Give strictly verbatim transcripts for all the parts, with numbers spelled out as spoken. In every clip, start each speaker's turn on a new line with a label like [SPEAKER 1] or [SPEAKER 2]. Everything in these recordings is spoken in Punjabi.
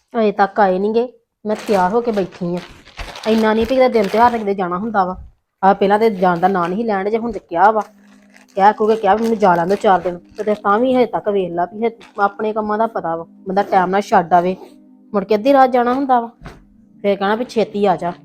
[SPEAKER 1] ਅਜੇ ਤੱਕ ਆਏ ਨੀ ਗੇ। ਮੈਂ ਤਿਆਰ ਹੋ ਕੇ ਬੈਠੀ ਆ। ਇੰਨਾ ਨਹੀਂ ਵੀ ਕਿਤੇ ਦਿਨ ਤਿਉਹਾਰ ਤੇ ਕਿਤੇ ਜਾਣਾ ਹੁੰਦਾ ਵਾ। ਆ ਪਹਿਲਾਂ ਤੇ ਜਾਣ ਦਾ ਨਾਂ ਨਹੀਂ ਲੈਣ ਜੇ ਹੁਣ ਤੇ ਕਿਹਾ ਵਾ ਕਹਿ ਕੂਗੇ ਕਿਹਾ ਵੀ ਮੈਨੂੰ ਜਾ ਲੈਣ ਦੋ ਚਾਰ ਦਿਨ ਤੇ ਤਾਂ ਵੀ ਹਜੇ ਤੱਕ ਵੇਖ ਲਾ ਵੀ ਆਪਣੇ ਕੰਮਾਂ ਦਾ ਪਤਾ ਵਾ ਬੰਦਾ ਟਾਈਮ ਨਾਲ ਛੱਡ ਆਵੇ ਮੁੜ ਕੇ ਅੱਧੀ ਰਾਤ ਜਾਣਾ ਹੁੰਦਾ ਵਾ ਫੇਰ ਕਹਿਣਾ ਵੀ ਛੇਤੀ ਆ ਜਾ।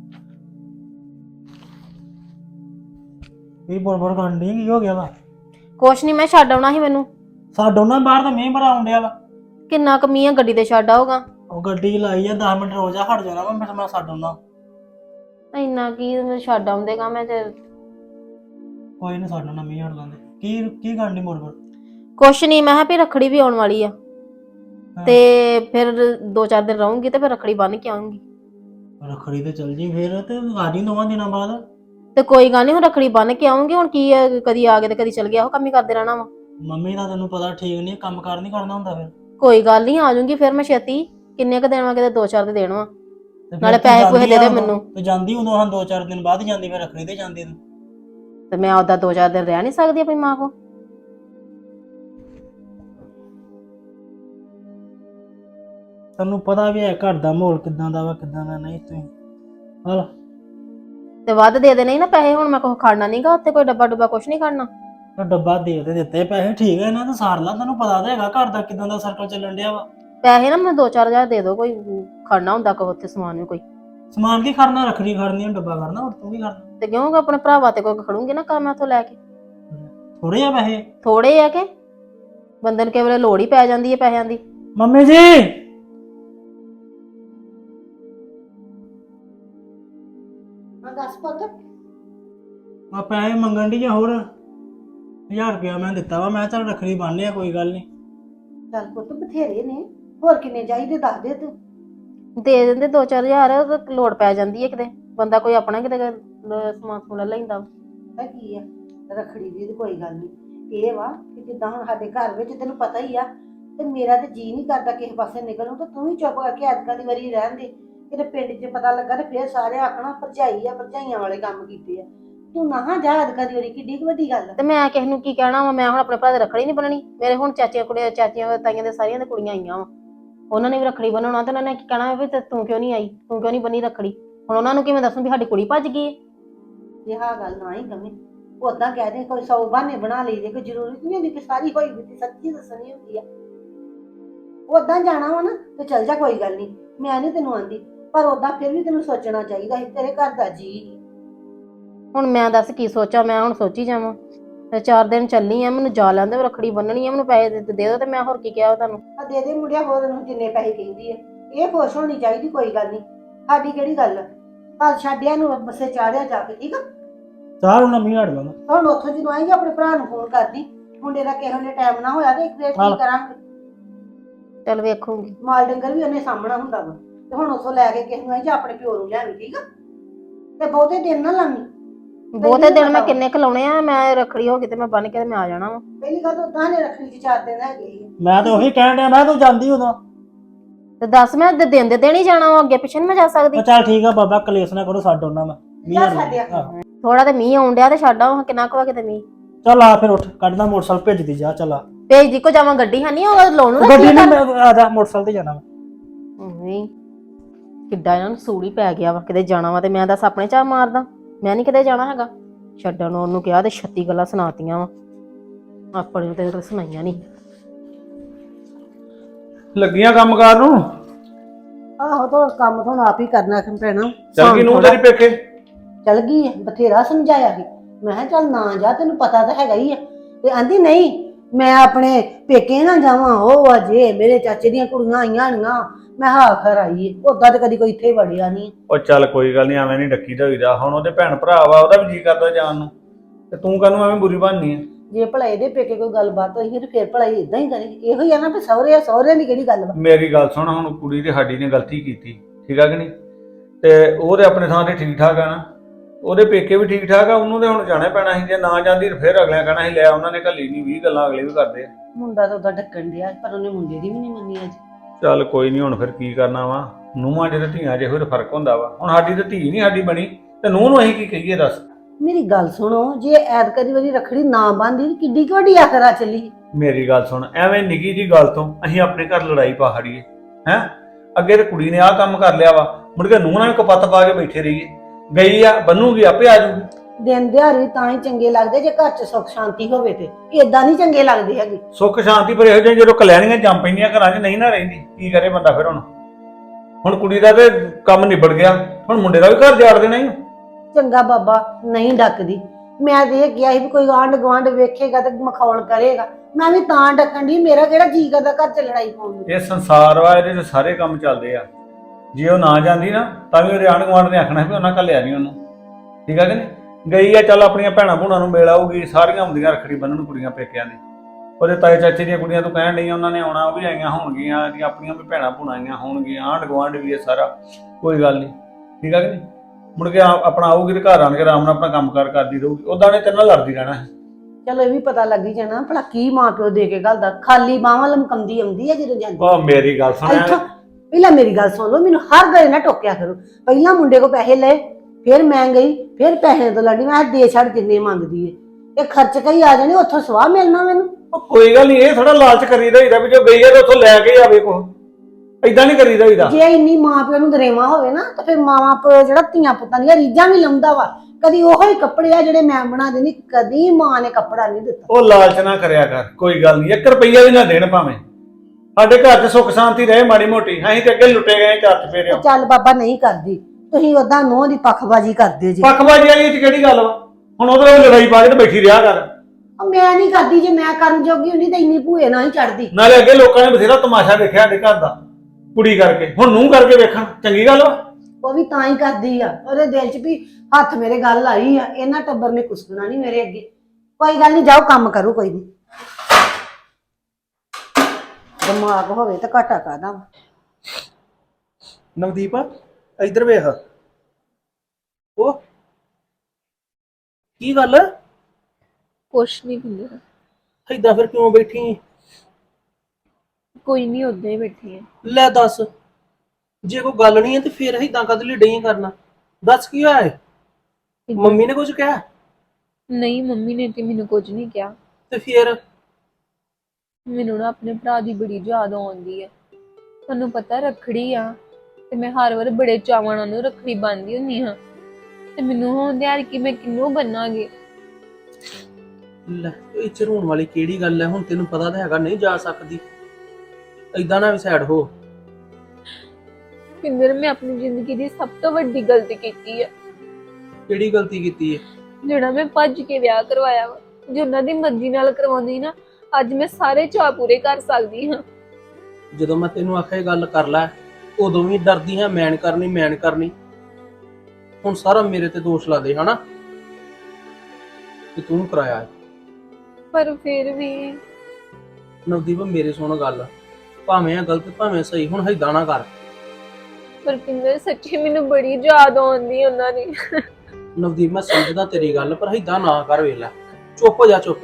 [SPEAKER 2] ਕੀ ਬੋਲ ਬੋਲ ਕਰਨ ਡਈ ਕੀ ਹੋ ਗਿਆ ਵਾ?
[SPEAKER 1] ਕੁਛ ਨੀ ਮੈਂ ਛੱਡ ਆਉਣਾ ਸੀ ਮੈਨੂੰ।
[SPEAKER 2] ਸਾਡੋਂ ਨਾ ਬਾਹਰ ਤਾਂ ਮੀਂਹ ਬੜਾ ਆਉਣ ਡਿਆ ਵਾ।
[SPEAKER 1] ਕਿੰਨਾ ਕੁ ਮੀਂਹ ਆ ਗੱਡੀ ਤੇ ਛੱਡ ਆਊਗਾ।
[SPEAKER 2] ਉਹ ਗੱਡੀ ਚ ਲਾਈ ਆ ਦਸ ਮਿੰਟ ਰੋਜ਼ਾ ਹਟ ਜਾਣਾ ਵਾ ਮੈਂ ਮੈਂ ਸਾਡੋਂ ਨਾ
[SPEAKER 1] ਇੰਨਾ ਕੀ ਮੈਂ ਛੱਡ ਆਉਂਦੇਗਾ ਮੈਂ ਤੇ
[SPEAKER 2] ਕੋਈ ਨੀ ਸਾਡੋਂ ਨਾ ਮੀਂਹ ਹਟ ਲਾਂਦੇ। ਕੀ ਕੀ ਕਰਨ ਡਈ ਬੋਲ ਬੋਲ?
[SPEAKER 1] ਕੁਛ ਨੀ ਮੈਂ ਕਿਹਾ ਵੀ ਰੱਖੜੀ ਵੀ ਆਉਣ ਵਾਲੀ ਆ ਤੇ ਫਿਰ ਦੋ ਚਾਰ ਦਿਨ ਰਹੂੰਗੀ ਤੇ ਫਿਰ ਰੱਖੜੀ ਬੰਨ ਕੇ ਆਉਂਗੀ।
[SPEAKER 2] ਰੱਖੜੀ ਤੇ ਚੱਲ ਜੀ ਫੇਰ ਤੇ ਆ ਜੀ ਨੌਵਾਂ ਦਿਨਾਂ ਬਾਅਦ।
[SPEAKER 1] ਤੇ ਕੋਈ ਗੱਲ ਨੀ ਹੁਣ ਰੱਖੜੀ ਬੰਨ ਕੇ ਆਉਂਗੀ। ਹੁਣ ਕੀ ਆ ਕਦੀ ਆ ਗਏ ਤੇ ਕਦੀ ਚਲ ਗਿਆ ਉਹ ਕੰਮ ਹੀ ਕਰਦੇ ਰਹਿਣਾ ਵਾ।
[SPEAKER 2] ਮੰਮੀ ਦਾ ਤੈਨੂੰ ਪਤਾ ਠੀਕ ਨਹੀਂ ਕੰਮ ਕਾਰ ਨਹੀਂ ਕਰਨਾ ਹੁੰਦਾ ਫਿਰ।
[SPEAKER 1] ਕੋਈ ਗੱਲ ਨੀ ਆ ਜਾਊਂਗੀ ਫਿਰ ਮੈਂ ਛੇਤੀ। ਕਿੰਨੇ ਕ ਦੇਣ ਵਾ ਕਿਤੇ ਦੋ ਚਾਰ ਦੇ ਦੇਣ ਵਾ
[SPEAKER 2] ਤੇ
[SPEAKER 1] ਨਾਲੇ
[SPEAKER 2] ਫਿਰ ਤੂੰ
[SPEAKER 1] ਪੈਸੇ ਪੂਸੇ
[SPEAKER 2] ਜਾਂਦੀ
[SPEAKER 1] ਦੇ
[SPEAKER 2] ਆ
[SPEAKER 1] ਦੇ
[SPEAKER 2] ਉਦੋਂ
[SPEAKER 1] ਮੈਨੂੰ।
[SPEAKER 2] ਤੇ ਜਾਂਦੀ ਉਦੋਂ ਹਾਂ ਦੋ ਚਾਰ ਦਿਨ ਬਾਅਦ ਜਾਂਦੀ ਫਿਰ ਰੱਖੜੀ ਤੇ ਜਾਂਦੀ ਤੂੰ।
[SPEAKER 1] ਤੇ ਮੈਂ ਉਹਦਾ ਦੋ ਚਾਰ ਦਿਨ ਰਹਿ ਨਹੀਂ ਸਕਦੀ ਆਪਣੀ ਮਾਂ ਕੋਲ।
[SPEAKER 2] ਤੈਨੂੰ ਪਤਾ ਵੀ ਹੈ ਘਰ ਦਾ ਮਾਹੌਲ ਕਿਦਾਂ ਦਾ ਵਾ ਕਿਦਾਂ ਦਾ ਨਹੀਂ ਤੂੰ ਹਲ
[SPEAKER 1] ਤੇ ਵੱਧ ਦੇ ਦੇ ਨਹੀਂ ਨਾ ਪੈਸੇ। ਹੁਣ ਮੈਂ ਕੁਛ ਖੜਨਾ ਨਹੀਂਗਾ ਉੱਥੇ ਕੋਈ ਡੱਬਾ ਡੁੱਬਾ ਕੁਛ ਨਹੀਂ ਖੜਨਾ।
[SPEAKER 2] ਡੱਬਾ ਦੇ ਤੇ ਦਿੱਤੇ ਪੈਸੇ ਠੀਕ ਹੈ ਇਹਨਾਂ ਤਾਂ ਸਾਰ ਲਾ। ਤੈਨੂੰ ਪਤਾ ਤਾਂ ਹੈਗਾ ਘਰ ਦਾ ਕਿਦਾਂ ਦਾ ਸਰਕਲ ਚੱਲਣ ਡਿਆ ਵਾ।
[SPEAKER 1] ਪੈਸੇ ਨਾ ਮੈਨੂੰ ਦੋ ਚਾਰ ਹਜ਼ਾਰ ਦੇ ਦੋ ਕੋਈ ਖੜਨਾ ਹੁੰਦਾ ਕੋ ਉੱਥੇ ਸਮਾਨ ਵੀ ਕੋਈ।
[SPEAKER 2] ਸਮਾਨ ਕੀ ਖੜਨਾ ਰੱਖੜੀ ਖੜਨੀ ਡੱਬਾ ਖੜਨਾ ਹੋਰ ਤੂੰ ਕੀ ਕਰਨਾ।
[SPEAKER 1] ਤੇ ਕਿਉਂ ਆਪਣੇ ਭਰਾਵਾਂ ਤੇ ਕੋਈ ਖੜੂੰਗੀ ਨਾ ਕੰਮ ਇੱਥੋਂ ਲੈ ਕੇ।
[SPEAKER 2] ਥੋੜੇ ਆ ਪੈਸੇ?
[SPEAKER 1] ਥੋੜੇ ਆ ਕਿ ਬੰਦੇ ਨੂੰ ਕਿਸੇ ਵੇਲੇ ਲੋੜ ਹੀ ਪੈ ਜਾਂਦੀ ਹੈ ਪੈਸਿਆਂ ਦੀ।
[SPEAKER 2] ਮੰਮੀ ਜੀ
[SPEAKER 3] ਦੱਸ ਪੁੱਤ।
[SPEAKER 2] ਆ ਪੈਸੇ ਮੰਗਣ ਦੀ ਜਾਂ ਹੋਰ ਹਜ਼ਾਰ ਰੁਪਇਆ ਮੈਂ ਦਿੱਤਾ ਵਾ। ਮੈਂ ਚੱਲ ਰੱਖੜੀ ਬੰਨ ਲਿਆ ਕੋਈ ਗੱਲ ਨਹੀਂ।
[SPEAKER 3] ਚੱਲ ਪੁੱਤ ਬਥੇਰੇ ਨੇ ਹੋਰ ਕਿੰਨੇ ਚਾਹੀਦੇ ਦੱਸ ਦੇ ਤੂੰ।
[SPEAKER 1] ਦੇ ਦਿੰਦੇ ਦੋ ਚਾਰ ਹਜ਼ਾਰ ਲੋੜ ਪੈ ਜਾਂਦੀ ਹੈ ਕਿਤੇ ਬੰਦਾ ਕੋਈ ਆਪਣਾ ਕਿਤੇ ਸਮਾਨ ਸਮੂਨ ਲੈਂਦਾ।
[SPEAKER 3] ਪਤਾ ਕੀ ਆ ਰੱਖੜੀ ਦੀ ਕੋਈ ਗੱਲ ਨਹੀਂ। ਇਹ ਵਾ ਕਿ ਜਿੱਦਾਂ ਹੁਣ ਸਾਡੇ ਘਰ ਵਿੱਚ ਤੈਨੂੰ ਪਤਾ ਹੀ ਆ ਤੇ ਮੇਰਾ ਤੇ ਜੀ ਨਹੀਂ ਕਰਦਾ ਕਿਸੇ ਪਾਸੇ ਨਿਕਲਣ ਨੂੰ। ਤਾਂ ਤੂੰ ਵੀ ਚੁੱਪ ਕਰਕੇ ਐਤਕਾਂ ਦੀ ਵਾਰੀ ਰਹਿਣ ਦੇ। ਕਿਤੇ ਪਿੰਡ 'ਚ ਪਤਾ ਲੱਗਾ ਤੇ ਫੇਰ ਸਾਰੇ ਆਖਣਾ ਭਰਜਾਈ ਆ ਭਰਜਾਈਆਂ ਵਾਲੇ ਕੰਮ ਕੀਤੇ ਆ। ਤੂੰ ਨਾ ਜਾ ਐਤਕਾਂ ਦੀ ਵਾਰੀ ਕਿੱਡੀ ਕੁ ਵੱਡੀ ਗੱਲ ਆ।
[SPEAKER 1] ਤੇ ਮੈਂ ਕਿਸੇ ਨੂੰ ਕੀ ਕਹਿਣਾ ਵਾ। ਮੈਂ ਹੁਣ ਆਪਣੇ ਭਰਾ ਦੇ ਰੱਖੜੀ ਨਹੀਂ ਬੰਨਣੀ। ਮੇਰੇ ਹੁਣ ਚਾਚੀਆਂ ਕੁੜੀਆਂ ਚਾਚੀਆਂ ਤਾਈਆਂ ਦੇ ਸਾਰੀਆਂ ਦੇ ਕੁੜੀਆਂ ਆਈਆਂ ਵਾ। ਉਹਨਾਂ ਨੇ ਵੀ ਰੱਖੜੀ ਬੰਨਣਾ ਤੇ ਉਹਨਾਂ ਨੇ ਕੀ ਕਹਿਣਾ ਵੀ ਤੂੰ ਕਿਉਂ ਨਹੀਂ ਆਈ ਤੂੰ ਕਿਉਂ ਨਹੀਂ ਬੰਨੀ ਰੱਖੜੀ। ਹੁਣ ਉਹਨਾਂ ਨੂੰ ਕਿਵੇਂ ਦੱਸੂ ਵੀ ਸਾਡੀ ਕੁੜੀ ਭੱਜ ਗਈ ਹੈ।
[SPEAKER 3] ਇਹ ਹਾਂ ਗੱਲ ਨਾ ਹੀ ਕਵੇਂ ਉਦਾਂ ਕਹਿ ਦੇ ਕੋਈ ਸੌ ਬਹਾਨੇ ਬਣਾ ਲਈਦੇ। ਕੋਈ ਜ਼ਰੂਰੀ ਨਹੀਂ ਹੁੰਦੀ ਕਿ ਸਾਰੀ ਹੋਈ ਬੀਤੀ ਸੱਚੀ ਦੱਸਣੀ ਹੁੰਦੀ ਆ। ਉਦਾਂ ਜਾਣਾ ਵਾ ਨਾ ਤੇ ਚੱਲ ਜਾ ਕੋਈ ਗੱਲ ਨਹੀਂ। ਮੈਂ ਨਹੀਂ ਤੈਨੂੰ ਆਂਦੀ ਪਰ ਉਦਾਂ ਫਿਰ ਵੀ ਤੈਨੂੰ ਸੋਚਣਾ ਚਾਹੀਦਾ ਸੀ ਤੇਰੇ ਘਰ ਦਾ ਜੀ।
[SPEAKER 1] ਹੁਣ ਮੈਂ ਦੱਸ ਕੀ ਸੋਚਾਂ। ਮੈਂ ਹੁਣ ਸੋਚੀ ਜਾਵਾਂ ਤੇ ਚਾਰ ਦਿਨ ਚੱਲੀ ਆ ਮੈਨੂੰ ਜਾ ਲੈਂਦੇ ਰੱਖੜੀ ਬੰਨਣੀ ਆ ਮੈਨੂੰ ਪੈਸੇ ਦੇ ਦੇ ਦੋ ਤੇ ਮੈਂ ਹੋਰ ਕੀ ਕਿਹਾ ਤੁਹਾਨੂੰ।
[SPEAKER 3] ਆ ਦੇ ਦੇ ਮੁੰਡਿਆ ਹੋਰ ਉਹਨੂੰ ਜਿੰਨੇ ਪੈਸੇ ਕਹਿੰਦੀ ਆ। ਇਹ ਖੁਸ਼ ਹੋਣੀ ਚਾਹੀਦੀ ਕੋਈ ਗੱਲ ਨਹੀਂ। ਸਾਡੀ ਕਿਹੜੀ ਗੱਲ ਘਰ ਛੱਡਿਆ ਨੂੰ ਬੱਸੇ ਚਾੜਿਆ ਜਾ ਕੇ ਠੀਕ ਆ।
[SPEAKER 2] ਚਾਰ ਹੁਣ ਮੀਂਹ ਹਟ ਜਾਣਾ।
[SPEAKER 3] ਹੁਣ ਉੱਥੋਂ ਜਦੋਂ ਆਏਗੀ ਆਪਣੇ ਭਰਾ ਨੂੰ ਫੋਨ ਕਰਦੀ ਮੁੰਡੇ ਦਾ ਕਿਸੇ ਵੇਲੇ ਟਾਈਮ ਨਾ ਹੋਇਆ ਤੇ ਇੱਕ ਵੇਰ ਕੀ ਕਰਾਂਗੇ।
[SPEAKER 1] ਚੱਲ ਵੇਖੂਗੀ।
[SPEAKER 3] ਮਾਲ ਡੰਗਰ ਵੀ ਉਹਨੇ ਸਾਹਮਣਾ ਹੁੰਦਾ ਵਾ ਤੇ ਹੁਣ ਉੱਥੋਂ ਲੈ ਕੇ ਕਿਸੇ ਨੂੰ ਆਈ ਜਾਂ ਆਪਣੇ ਪਿਓ ਨੂੰ ਲਿਆਵੀਂ ਠੀਕ ਆ। ਤੇ ਬਹੁਤੇ ਦਿਨ ਨਾ ਲਾਵੀਂ।
[SPEAKER 1] ਬਹੁਤੇ ਦਿਨ ਮੈਂ ਕਿੰਨੇ ਖਲਾਉਣੇ ਆ। ਮੈਂ ਰੱਖੜੀ ਹੋ ਗਈ ਤੇ ਮੈਂ ਬੰਨ ਕੇ ਤੇ ਮੈਂ ਆ ਜਾਣਾ ਵਾ।
[SPEAKER 3] ਪਹਿਲੀ ਗੱਲ ਤਾਂ ਉਦਾਂ ਨੇ ਰੱਖੜੀ ਚ ਚਾਰ ਦਿਨ ਹੈਗੇ ਸੀ।
[SPEAKER 2] ਮੈਂ ਤਾਂ ਉਹੀ ਕਹਿਣ ਡਿਆ ਮੈਂ ਤੂੰ ਜਾਂਦੀ ਉਦੋਂ।
[SPEAKER 1] ਤੇ ਦੱਸ ਮੈਂ ਦਿਨ ਦੇ ਦਿਨ ਹੀ ਜਾਣਾ ਵਾ ਅੱਗੇ ਪਿੱਛੇ ਨੀ ਮੈਂ ਜਾ ਸਕਦੀ।
[SPEAKER 2] ਚੱਲ ਠੀਕ ਆ ਬਾਬਾ ਕਲੇਸ਼ ਨਾ ਕਰੋ ਛੱਡ ਉਹਨਾਂ ਮੈਂ
[SPEAKER 3] ਜਾ ਛੱਡਿਆ
[SPEAKER 1] ਥੋੜਾ ਤੇ ਮੀਂਹ ਆਉਣ ਡਿਆ ਤੇ ਛੱਡ ਆਵਾਂ ਕਿੰਨਾ ਕੁ ਵਾ ਕਿਤੇ ਮੀਂਹ।
[SPEAKER 2] ਚੱਲ ਆ ਫਿਰ ਉੱਠ ਕੱਢਦਾ ਮੋਟਰਸਾਈਕਲ ਭੇਜਦੀ ਜਾ ਚੱਲ ਆ।
[SPEAKER 1] ਭੇਜਦੀ ਕੋ ਜਾਵਾਂ ਗੱਡੀ ਹੈ ਨਹੀਂ ਉਹ ਲਾਉਣ ਨੂੰ
[SPEAKER 2] ਗੱਡੀ ਨਹੀਂ ਮੈਂ ਆ ਜਾ ਮੋਟਰਸਾਈਕਲ ਤੇ ਜਾਣਾ ਮੈਂ।
[SPEAKER 1] ਨਹੀਂ ਕਿੱਡਾ ਇਹਨਾਂ ਨੂੰ ਸੂਲ ਹੀ ਪੈ ਗਿਆ ਵਾ ਕਿਤੇ ਜਾਣਾ ਵਾ ਤੇ ਮੈਂ ਦੱਸ ਆਪਣੇ ਚਾਹ ਮਾਰਦਾ। ਮੈਂ ਨਹੀਂ ਕਿਤੇ ਜਾਣਾ ਹੈਗਾ। ਛੱਡਣ ਨੂੰ ਉਹਨੂੰ ਕਿਹਾ ਤੇ ਛੱਤੀ ਗੱਲਾਂ ਸੁਣਾਤੀਆਂ ਵਾ ਆਪਣੇ ਨੂੰ ਤੇ ਸੁਣਾਈਆਂ ਨਹੀਂ।
[SPEAKER 4] ਲੱਗੀਆਂ ਕੰਮ ਕਾਰ ਨੂੰ।
[SPEAKER 3] ਆਹੋ ਤਾਂ ਕੰਮ ਤੋਂ ਆਪ ਹੀ ਕਰਨਾ ਪੈਣਾ।
[SPEAKER 4] ਚੱਲ ਗਈ ਨੂੰ ਤੇਰੀ ਪੇਕੇ।
[SPEAKER 3] ਚੱਲ ਗਈ ਬਥੇਰਾ ਸਮਝਾਇਆ ਸੀ ਮੈਂ ਕਿਹਾ ਚੱਲ ਨਾ ਜਾ ਤੈਨੂੰ ਪਤਾ ਤਾਂ ਹੈਗਾ ਹੀ ਆ। ਤੇ ਆਂਦੀ ਨਹੀਂ ਮੈਂ ਆਪਣੇ ਪੇਕੇ ਨਾ ਜਾਵਾਂ ਉਹ ਅਜੇ ਮੇਰੇ ਚਾਚੇ ਦੀਆਂ ਕੁੜੀਆਂ ਆਈਆਂ ਹਣੀਆਂ। ਮੈਂ ਹਾਂ ਖਰ ਆਈ ਉਦਾਂ ਤੇ ਕਦੀ ਕੋਈ ਇੱਥੇ ਵੜਿਆ ਨਹੀਂ।
[SPEAKER 4] ਉਹ ਚੱਲ ਕੋਈ ਗੱਲ ਨਹੀਂ ਐਵੇਂ ਨਹੀਂ ਡੱਕੀ ਢੋਈਦਾ। ਹੁਣ ਉਹਦੇ ਭੈਣ ਭਰਾ ਵਾ ਉਹਦਾ ਵੀ ਜੀ ਕਰਦਾ ਜਾਣ ਨੂੰ ਤੇ ਤੂੰ ਕਾਹਨੂੰ ਐਵੇਂ ਬੁਰੀ ਬਣਨੀ ਆ।
[SPEAKER 3] ਜੇ ਭਲਾ ਇਹਦੇ ਪੇਕੇ ਕੋਈ ਗੱਲਬਾਤ ਹੋਈ ਤੇ ਫਿਰ ਭਲਾ ਇਦਾਂ ਹੀ ਕਰੇ। ਇਹੋ ਹੀ ਆ ਨਾ ਵੀ ਸਹੁਰੇ ਆ ਸਹੁਰਿਆਂ ਦੀ ਕਿਹੜੀ ਗੱਲ ਵਾ।
[SPEAKER 4] ਮੇਰੀ ਗੱਲ ਸੁਣ ਹੁਣ ਕੁੜੀ ਤੇ ਸਾਡੀ ਨੇ ਗਲਤੀ ਕੀਤੀ ਠੀਕ ਆ ਕਿ ਨਹੀਂ ਤੇ ਉਹ ਤੇ ਆਪਣੇ ਥਾਂ ਤੇ ਠੀਕ ਠਾਕ ਆ ਨਾ। ਉਹਦੇ ਪੇਕੇ ਵੀ ਠੀਕ ਠਾਕ ਆ। ਉਹਨੂੰ ਤੇ ਹੁਣ ਜਾਣਾ ਪੈਣਾ ਸੀ। ਜੇ ਨਾ ਜਾਂਦੀ ਤੇ ਫਿਰ ਅਗਲਿਆਂ ਕਹਿਣਾ ਸੀ ਲੈ ਉਹਨਾਂ ਨੇ ਘੱਲੀ ਨਹੀਂ ਵੀਹ ਗੱਲਾਂ ਅਗਲੇ ਵੀ ਕਰਦੇ ਆ।
[SPEAKER 3] ਮੁੰਡਾ ਤਾਂ ਉਹਦਾ ਢੱਕਣ ਡਿਆ ਪਰ ਉਹਨੇ ਮੁੰਡੇ ਦੀ ਵੀ ਨਹੀਂ ਮੰਨੀ ਅੱਜ।
[SPEAKER 4] ਚੱਲ ਕੋਈ ਨਹੀਂ ਹੁਣ ਫਿਰ ਕੀ ਕਰਨਾ ਵਾ। ਨੂੰਹਾਂ ਚ ਤੇ ਧੀਆਂ ਚ ਇਹੋ ਜਿਹਾ ਫਰਕ ਹੁੰਦਾ ਵਾ। ਹੁਣ ਸਾਡੀ ਤੇ ਧੀ ਨਹੀਂ ਸਾਡੀ ਬਣੀ ਤੇ ਨੂੰਹ ਨੂੰ ਅਸੀਂ ਕੀ ਕਹੀਏ ਦੱਸ।
[SPEAKER 3] ਮੇਰੀ ਗੱਲ ਸੁਣੋ ਜੇ ਐਤਕਾਂ ਦੀ ਵਾਰੀ ਰੱਖੜੀ ਨਾ ਬੰਨ੍ਹਦੀ ਕਿੱਡੀ ਕੁ ਵੱਡੀ ਆਖਰਾ ਚੱਲੀ।
[SPEAKER 4] ਮੇਰੀ ਗੱਲ ਸੁਣ ਐਵੇਂ ਨਿੱਕੀ ਜੀ ਗੱਲ ਤੋਂ ਅਸੀਂ ਆਪਣੇ ਘਰ ਲੜਾਈ ਪਾ ਹੜੀਏ ਹੈ। ਅੱਗੇ ਤੇ ਕੁੜੀ ਨੇ ਆਹ ਕੰਮ ਕਰ ਲਿਆ ਵਾ, ਮੁੜ ਕੇ ਨੂੰਹ ਨਾਲ ਕਪੱਤ ਪਾ ਕੇ ਬੈਠੇ ਰਹੀਏ। ਗਈ ਆ ਬੰਨੂਗੀ ਆਪੇ ਆ ਜਾਊਗੀ।
[SPEAKER 3] ਦਿਨ ਦਿਹਾੜੇ ਤਾਂ ਹੀ ਚੰਗੇ ਲੱਗਦੇ ਜੇ ਘਰ 'ਚ ਸੁੱਖ ਸ਼ਾਂਤੀ ਹੋਵੇ ਤੇ ਏਦਾਂ ਨਹੀਂ ਚੰਗੇ ਲੱਗਦੇ ਹੈਗੇ।
[SPEAKER 4] ਸੁੱਖ ਸ਼ਾਂਤੀ ਪਰ ਇਹੋ ਜਿਹੇ ਜਦੋਂ ਕਲੈਣੀਆਂ ਜੰਮ ਪੈਂਦੀਆਂ ਘਰਾਂ 'ਚ ਨਹੀਂ ਨਾ ਰਹਿੰਦੀ, ਕੀ ਕਰੇ ਬੰਦਾ ਫਿਰ ਹੁਣ। ਹੁਣ ਕੁੜੀ ਦਾ ਤੇ ਕੰਮ ਨਿਬੜ ਗਿਆ, ਹੁਣ ਮੁੰਡੇ ਦਾ ਵੀ ਘਰ ਜਾੜ ਦੇਣਾ ਹੀ।
[SPEAKER 3] ਚੰਗਾ ਬਾਬਾ ਨਹੀਂ ਡੱਕਦੀ, ਮੈਂ ਤੇ ਇਹ ਕਿਹਾ ਸੀ ਵੀ ਕੋਈ ਆਂਢ ਗੁਆਂਢ ਵੇਖੇਗਾ ਤੇ ਮਖੌਲ ਕਰੇਗਾ, ਮੈਂ ਵੀ ਤਾਂ ਡੱਕਣ ਦੀ। ਮੇਰਾ ਕਿਹੜਾ ਜੀ ਕਰਦਾ ਘਰ 'ਚ ਲੜਾਈ ਪਾਉਣ ਨੂੰ।
[SPEAKER 4] ਇਹ ਸੰਸਾਰ ਵਾ, ਇਹਦੇ 'ਚ ਸਾਰੇ ਕੰਮ ਚੱਲਦੇ ਆ। ਜੇ ਉਹ ਨਾ ਜਾਂਦੀ ਨਾ ਤਾਂ ਵੀ ਉਹਦੇ ਆਂਢ ਗੁਆਂਢ ਨੇ ਆਖਣਾ ਵੀ ਉਹਨਾਂ ਘੱਲਿਆ ਨਹੀਂ ਉਹਨੂੰ, ਠੀਕ ਆ ਕਿ ਨਹੀਂ। ਗਈ ਆ, ਚੱਲ ਆਪਣੀਆਂ ਭੈਣਾਂ ਭੂਣਾਂ ਨੂੰ ਮਿਲ ਆਊਗੀ, ਸਾਰੀਆਂ ਹੁੰਦੀਆਂ ਰੱਖੜੀ ਬੰਨਣ ਕੁੜੀਆਂ ਪੇਕਿਆਂ ਦੀ। ਉਹਦੇ ਤਾਏ ਚਾਚੇ ਦੀਆਂ ਕੁੜੀਆਂ ਤੋਂ ਕਹਿਣ ਡਈਆਂ ਉਹਨਾਂ ਨੇ ਆਉਣਾ, ਉਹ ਵੀ ਆਈਆਂ ਹੋਣਗੀਆਂ, ਇਹਦੀਆਂ ਆਪਣੀਆਂ ਵੀ ਭੈਣਾਂ ਭੂਣਾਂ ਆਈਆਂ ਹੋਣਗੀਆਂ, ਆਂਢ ਗੁਆਂਢ ਵੀ ਇਹ ਸਾਰਾ, ਕੋਈ ਗੱਲ ਨਹੀਂ, ਠੀਕ ਆ ਕਿ ਨਹੀਂ। ਮੁੜ ਕੇ ਆ- ਆਪਣਾ ਆਊਗੀ ਤੇ ਘਰ ਆਣ ਕੇ ਆਰਾਮ ਨਾਲ ਆਪਣਾ ਕੰਮ ਕਾਰ ਕਰਦੀ ਰਹੂਗੀ, ਉਦਾਂ ਨੇ ਤੇਰੇ ਨਾਲ ਲੜਦੀ ਰਹਿਣਾ।
[SPEAKER 3] ਚਲੋ ਇਹ ਵੀ ਪਤਾ ਲੱਗ ਹੀ ਜਾਣਾ ਭਲਾ ਕੀ ਮਾਂ ਪਿਓ ਦੇ ਕੇ ਗੱਲ ਦਾ, ਖਾਲੀ ਬਾਹਾਂ ਲਮਕੰਦੀ ਆਉਂਦੀ ਹੈ ਜਦੋਂ ਜਾਂਦੀ।
[SPEAKER 4] ਉਹ ਮੇਰੀ ਗੱਲ ਸੁਣ,
[SPEAKER 3] ਇੱਥੋਂ ਪਹਿਲਾਂ ਮੇਰੀ ਗੱਲ ਸੁਣ ਲਓ, ਮੈਨੂੰ ਹਰ ਗੱਲ ਨਾ ਟੋਕਿਆ ਕਰੋ। ਪਹਿਲਾਂ ਮੁੰਡੇ ਕੋ ਪੈਸੇ ਲਏ, ਫਿਰ ਮੈਂ ਗਈ, ਫਿਰ ਪੈਸੇ ਤੋਂ ਲੜੀ, ਮੈਂ ਦੇ ਛੱਡ ਜਿੰਨੇ ਮੰਗਦੀ ਏ, ਇਹ ਖਰਚ ਕਈ ਆ ਜਾਣੇ, ਉੱਥੋਂ ਸਵਾਹ ਮਿਲਣਾ ਮੈਨੂੰ।
[SPEAKER 4] ਉਹ ਕੋਈ ਗੱਲ ਨਹੀਂ, ਇਹ ਥੋੜਾ ਲਾਲਚ ਕਰੀਦਾ ਹੀਦਾ ਵੀ ਜੋ ਗਈ ਹੈ ਤੇ ਉੱਥੋਂ ਲੈ ਕੇ ਆਵੇ ਕੋ, ਏਦਾਂ ਨਹੀਂ ਕਰੀਦਾ ਹੀਦਾ।
[SPEAKER 3] ਜੇ ਇੰਨੀ ਮਾਂ ਪਿਓ ਨੂੰ ਦਰੇਵਾ ਹੋਵੇ ਨਾ ਤਾਂ ਫਿਰ ਮਾਵਾਂ ਪਿਓ ਜਿਹੜਾ ਧੀਆਂ ਪੁੱਤਾਂ ਦੀਆਂ ਰੀਝਾਂ ਵੀ ਲਾਉਂਦਾ ਵਾ। ਕਦੀ ਉਹੋ ਹੀ ਕੱਪੜੇ ਆ ਜਿਹੜੇ ਮੈਂ ਬਣਾ ਦੇਣੀ, ਕਦੀ ਮਾਂ ਨੇ ਕੱਪੜਾ ਨਹੀਂ ਦਿੱਤਾ।
[SPEAKER 4] ਉਹ ਲਾਲਚ ਨਾ ਕਰਿਆ ਕਰ, ਕੋਈ ਗੱਲ ਨਹੀਂ, ਇੱਕ ਰੁਪਈਆ ਵੀ ਨਾ ਦੇਣ ਭਾਵੇਂ। ਸਾਡੇ ਘਰ 'ਚ ਸੁੱਖ ਸ਼ਾਂਤੀ ਰਹੇ ਮਾੜੀ ਮੋਟੀ, ਅਸੀਂ ਤੇ ਅੱਗੇ ਲੁੱਟੇ ਗਏ ਚਾਰ ਚਫੇਰੇ।
[SPEAKER 3] ਤੇ ਚੱਲ ਬਾਬਾ ਨਹੀਂ ਕਰਦੀ, ਤੁਸੀਂ ਓਦਾਂ ਨੋਹ ਦੀ ਪੱਖਬਾਜੀ ਕਰਦੇ ਜੇ।
[SPEAKER 4] ਪੱਖਬਾਜੀ ਵਾਲੀ ਚ ਕਿਹੜੀ ਗੱਲ ਵਾ, ਹੁਣ ਉਹਦੇ ਨਾਲ ਲੜਾਈ ਪਾ ਕੇ ਤੇ ਬੈਠੀ ਰਿਹਾ ਕਰ।
[SPEAKER 3] ਉਹ ਮੈਂ ਨਹੀਂ ਕਰਦੀ, ਜੇ ਮੈਂ ਕਰਨ ਜੋਗੀ ਹੁੰਦੀ ਤਾਂ ਇੰਨੀ ਭੂਏ ਨਾ ਹੀ ਚੜਦੀ।
[SPEAKER 4] ਨਾਲੇ ਅੱਗੇ ਲੋਕਾਂ ਨੇ ਬਥੇਰਾ ਤਮਾਸ਼ਾ ਦੇਖਿਆ ਸਾਡੇ ਘਰ ਦਾ, ਕੁੜੀ ਕਰਕੇ, ਹੁਣ ਨੂੰਹ ਕਰਕੇ ਵੇਖਣ ਚੰਗੀ ਗੱਲ ਵਾ।
[SPEAKER 3] ਉਹ ਵੀ ਤਾਂ ਹੀ ਕਰਦੀ ਆ, ਉਹਦੇ ਦਿਲ 'ਚ ਵੀ ਹੱਥ ਮੇਰੇ ਗੱਲ ਆਈ ਆ, ਇਹਨਾਂ ਟੱਬਰ ਨੇ ਕੁਸਕਣਾ ਨਹੀਂ ਮੇਰੇ ਅੱਗੇ। ਕੋਈ ਗੱਲ ਨਹੀਂ, ਜਾਓ ਕੰਮ ਕਰੋ, ਕੋਈ ਨਹੀਂ। ਦਿਮਾਗ ਹੋਵੇ ਤਾਂ ਘਾਟਾ ਕਾਹਦਾ ਵਾ।
[SPEAKER 5] ਨਵਦੀਪ ਇੱਧਰ ਵੇਖ। ਉਹ ਕੀ ਗੱਲ,
[SPEAKER 6] ਕੁਛ ਨਹੀਂ ਹੁੰਦਾ।
[SPEAKER 5] ਏਦਾਂ ਫਿਰ ਕਿਉਂ ਬੈਠੀ?
[SPEAKER 6] ਕੋਈ ਨਹੀਂ, ਉਦਾਂ ਹੀ ਬੈਠੀ ਆ।
[SPEAKER 5] ਲੈ ਦੱਸ, ਜੇ ਕੋਈ ਗੱਲ ਨਹੀਂ ਹੈ ਤੇ ਫਿਰ ਏਦਾਂ ਕਦ ਲਈ ਡਈ ਕਰਨਾ? ਦੱਸ ਕੀ ਹੋਇਆ ਹੈ? ਮੰਮੀ ਨੇ ਕੁਝ ਕਿਹਾ?
[SPEAKER 6] ਨਹੀਂ, ਮੰਮੀ ਨੇ ਤੇ ਮੈਨੂੰ ਕੁਝ ਨਹੀਂ ਕਿਹਾ।
[SPEAKER 5] ਤੇ ਫਿਰ
[SPEAKER 6] ਮੈਨੂੰ ਨਾ ਆਪਣੇ ਭਰਾ ਦੀ ਬੜੀ ਯਾਦ ਆਉਂਦੀ ਹੈ। ਤੁਹਾਨੂੰ ਪਤਾ ਰੱਖੜੀ ਆ ਤੇ ਮੈਂ ਹਰ ਵਾਰ ਬੜੇ ਚਾਵਾਂ ਨਾਲ ਉਹਨੂੰ ਰੱਖੜੀ ਬੰਨ੍ਹਦੀ ਹੁੰਦੀ ਹਾਂ, ਤੇ ਮੈਨੂੰ ਹੁਣ ਯਾਰ ਕਿ ਮੈਂ ਕਿਹਨੂੰ ਬੰਨਾਂਗੀ।
[SPEAKER 5] ਲੈ ਇਹ ਚ ਰੋਣ ਵਾਲੀ ਕਿਹੜੀ ਗੱਲ ਹੈ? ਹੁਣ ਤੈਨੂੰ ਪਤਾ ਤਾਂ ਹੈਗਾ ਨਹੀਂ ਜਾ ਸਕਦੀ, ਏਦਾਂ ਨਾ ਵੀ ਸਾਈਡ ਹੋ।
[SPEAKER 6] ਪਿੰਦਰ, ਮੈਂ ਆਪਣੀ ਜ਼ਿੰਦਗੀ ਦੀ ਸਭ ਤੋਂ ਵੱਡੀ ਗਲਤੀ ਕੀਤੀ ਹੈ।
[SPEAKER 5] ਕਿਹੜੀ ਗਲਤੀ ਕੀਤੀ ਹੈ?
[SPEAKER 6] ਜਿਹੜਾ ਮੈਂ ਭੱਜ ਕੇ ਵਿਆਹ ਕਰਵਾਇਆ ਵਾ। ਜੇ ਉਹਨਾਂ ਦੀ ਮਰਜ਼ੀ ਨਾਲ ਕਰਵਾਉਂਦੀ ਨਾ, ਅੱਜ ਮੈਂ ਸਾਰੇ ਚਾਅ ਪੂਰੇ ਕਰ ਸਕਦੀ ਹਾਂ।
[SPEAKER 5] ਜਦੋਂ ਮੈਂ ਤੈਨੂੰ ਆਖਿਆ ਇਹ ਗੱਲ ਕਰ ਲੈ, ਉਦੋਂ ਵੀ ਡਰਦੀ ਹਾਂ, ਮੈਂ ਨੀ ਕਰਨੀ ਮੈਂ ਨੀ ਕਰਨੀ। ਹੁਣ ਸਾਰਾ ਮੇਰੇ ਤੇ ਦੋਸ਼ ਲਾ ਦੇ ਹਨਾ ਕਿ ਤੂੰ ਕਰਾਇਆ ਹੈ।
[SPEAKER 6] ਪਰ ਫਿਰ ਵੀ
[SPEAKER 5] ਨਵਦੀਪ ਮੇਰੀ ਸੁਣ ਗੱਲ, ਭਾਵੇਂ ਆ ਗਲਤ ਭਾਵੇਂ ਸਹੀ, ਹੁਣ ਏਦਾਂ ਨਾ ਕਰ।
[SPEAKER 6] ਪਰ ਪਿੰਦਰ ਸੱਚੀ ਮੈਨੂੰ ਬੜੀ ਯਾਦ ਆਉਂਦੀ ਉਹਨਾਂ ਦੀ।
[SPEAKER 5] ਨਵਦੀਪ ਮੈਂ ਸਮਝਦਾ ਤੇਰੀ ਗੱਲ, ਪਰ ਏਦਾਂ ਨਾ ਕਰ। ਵੇਲਾ ਚੁੱਪ ਹੋ ਜਾ, ਚੁੱਪ।